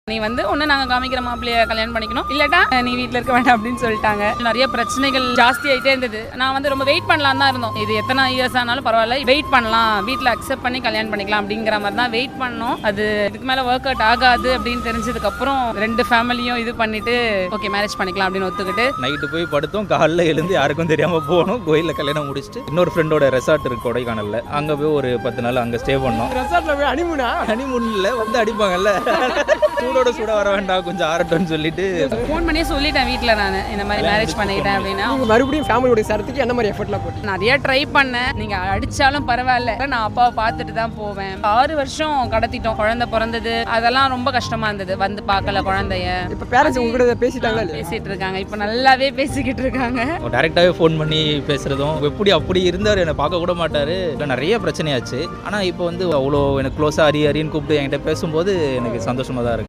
நீ வந்து ஒன்று நாங்கள் காமிக்கிற மாப்பிள்ளைய கல்யாணம் பண்ணிக்கணும், இல்லாட்டா நீ வீட்டில் இருக்க வேண்டாம் அப்படின்னு சொல்லிட்டாங்க. நிறைய பிரச்சனைகள் ஜாஸ்தி ஆகிட்டே இருந்தது. நான் வந்து ரொம்ப வெயிட் பண்ணலாம் தான் இருந்தோம். இது எத்தனை இயர்ஸ் ஆனாலும் பரவாயில்ல, வெயிட் பண்ணலாம், வீட்டில் அக்செப்ட் பண்ணி கல்யாணம் பண்ணிக்கலாம் அப்படிங்கிற மாதிரி தான் வெயிட் பண்ணோம். அது இதுக்கு மேலே ஒர்க் அவுட் ஆகாது அப்படின்னு தெரிஞ்சதுக்கப்புறம் ரெண்டு ஃபேமிலியும் இது பண்ணிட்டு ஓகே மேரேஜ் பண்ணிக்கலாம் அப்படின்னு ஒத்துக்கிட்டு நைட்டு போய் படுத்தோம். காலைல எழுந்து யாருக்கும் தெரியாமல் போனோம். கோயிலில் கல்யாணம் முடிச்சுட்டு இன்னொரு ஃப்ரெண்டோட ரெசார்ட் இருக்கு கொடைக்கானலில், அங்கே போய் ஒரு 10 நாள் அங்கே ஸ்டே பண்ணோம். ரெசார்ட்ல போய் ஹனிமூனில் வந்து அடிப்பாங்கல்ல, சூடோட சூட வர வேண்டாம் கொஞ்சம் ஆரட்டம்னு சொல்லிட்டு ஃபோன் பண்ணியே சொல்லிட்டேன் வீட்டில். நான் இந்த மாதிரி மேரேஜ் பண்ணிக்கிட்டேன் அப்படின்னா மறுபடியும் ஃபேமிலியோட சேர்த்துக்கு என்ன மாதிரி எஃபர்ட்லாம் போட்டு நிறைய ட்ரை பண்ணேன். நீங்க அடிச்சாலும் பரவாயில்ல, நான் அப்பாவை பார்த்துட்டு தான் போவேன். 6 வருஷம் கடத்திட்டோம். குழந்தை பிறந்தது, அதெல்லாம் ரொம்ப கஷ்டமா இருந்தது. வந்து பார்க்கல குழந்தைய. இப்போ பேரண்ட்ஸ் உங்ககிட்ட பேசிட்டாங்களா இல்லையா? பேசிட்டு இருக்காங்க, இப்போ நல்லாவே பேசிக்கிட்டு இருக்காங்க. டேரெக்டாகவே ஃபோன் பண்ணி பேசுகிறதும், எப்படி அப்படி இருந்தார், என்னை பார்க்க கூட மாட்டார். இல்லை நிறைய பிரச்சனையாச்சு. ஆனால் இப்போ வந்து அவ்வளோ எனக்கு க்ளோஸாக அரின்னு கூப்பிட்டு என்கிட்ட பேசும்போது எனக்கு சந்தோஷமாக தான் இருக்குது.